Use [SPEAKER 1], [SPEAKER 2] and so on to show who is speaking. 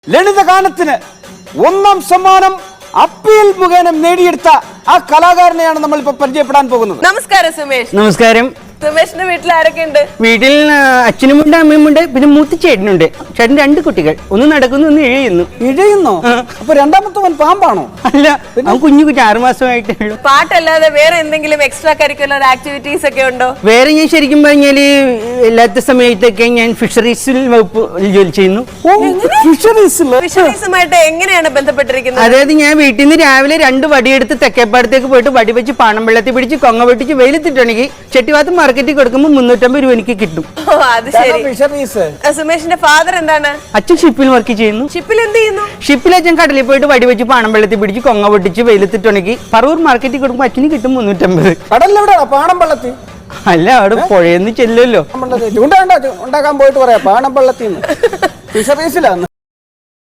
[SPEAKER 1] ലളിതഗാനത്തിന് ഒന്നാം സമ്മാനം അപ്പീൽ മുഖേന നേടിയെടുത്ത ആ കലാകാരനെയാണ് നമ്മൾ ഇപ്പൊ പരിചയപ്പെടാൻ പോകുന്നത്.
[SPEAKER 2] നമസ്കാരം സുമേഷ്.
[SPEAKER 3] നമസ്കാരം.
[SPEAKER 2] സുമേഷിന്റെ വീട്ടിൽ ആരൊക്കെ ഉണ്ട്?
[SPEAKER 3] വീട്ടിൽ അച്ഛനുമുണ്ട്, അമ്മയുമുണ്ട്, പിന്നെ മൂത്ത ചേട്ടനുണ്ട്. ചേട്ടൻ 2 കുട്ടികൾ, ഒന്ന് നടക്കുന്നു, ഒന്ന് ഇഴയുന്നു.
[SPEAKER 1] ഇഴയുന്നോ? അപ്പൊ രണ്ടാമത്തവൻ പാമ്പാണോ?
[SPEAKER 3] അല്ല, അവൻ കുഞ്ഞു 6 മാസമായിട്ടേ ഉള്ളൂ.
[SPEAKER 2] പാട്ടല്ലാതെ വേറെ എന്തെങ്കിലും എക്സ്ട്രാ കരിക്കുലർ ആക്ടിവിറ്റീസ് ഒക്കെ ഉണ്ടോ?
[SPEAKER 3] വേറെ ഞാൻ ശരിക്കും പറഞ്ഞാല് എല്ലാത്ത സമയത്തൊക്കെ ഞാൻ ഫിഷറീസിൽ വകുപ്പ് ജോലി ചെയ്യുന്നു.
[SPEAKER 2] ഫിഷറീസുമായിട്ട് എങ്ങനെയാണ് ബന്ധപ്പെട്ടിരിക്കുന്നത്?
[SPEAKER 3] അതായത് ഞാൻ വീട്ടിൽ നിന്ന് രാവിലെ 2 വടിയെടുത്ത് തെക്കേപ്പാടത്തേക്ക് പോയിട്ട് വടി വെച്ച് പാണം വെള്ളത്തിൽ പിടിച്ച് കൊങ്ങ പൊട്ടിച്ച് വെയിലത്തിട്ടുണ്ടെങ്കിൽ ചെട്ടിവാത്ത് മാർക്കറ്റിൽ കൊടുക്കുമ്പോൾ 350 രൂപ എനിക്ക് കിട്ടും.
[SPEAKER 2] അത് ശരി. സുമേഷിന്റെ ഫാദർ എന്താണ്?
[SPEAKER 3] അച്ഛൻ ഷിപ്പിൽ വർക്ക് ചെയ്യുന്നു.
[SPEAKER 2] ഷിപ്പിൽ എന്ത് ചെയ്യുന്നു?
[SPEAKER 3] ഷിപ്പിൽ അച്ഛൻ കടലിൽ പോയിട്ട് വടി വെച്ച് പാണം വെള്ളത്തിൽ പിടിച്ച് കൊങ്ങ പൊട്ടിച്ച് വെയിലത്തിട്ടുണ്ടെങ്കിൽ പറവൂർ മാർക്കറ്റിൽ കൊടുക്കുമ്പോൾ അച്ഛന് കിട്ടും 350.
[SPEAKER 1] കടലിലെവിടെയാ? പാണം പള്ളത്തി?
[SPEAKER 3] അല്ല, അവിടെ പുഴയെന്ന് ചെല്ലുമല്ലോ.
[SPEAKER 1] ഉണ്ടാക്കാൻ പോയിട്ട് പറയാ പാണം പള്ളത്തിന്ന്. ഫിഷറീസിലാണ്.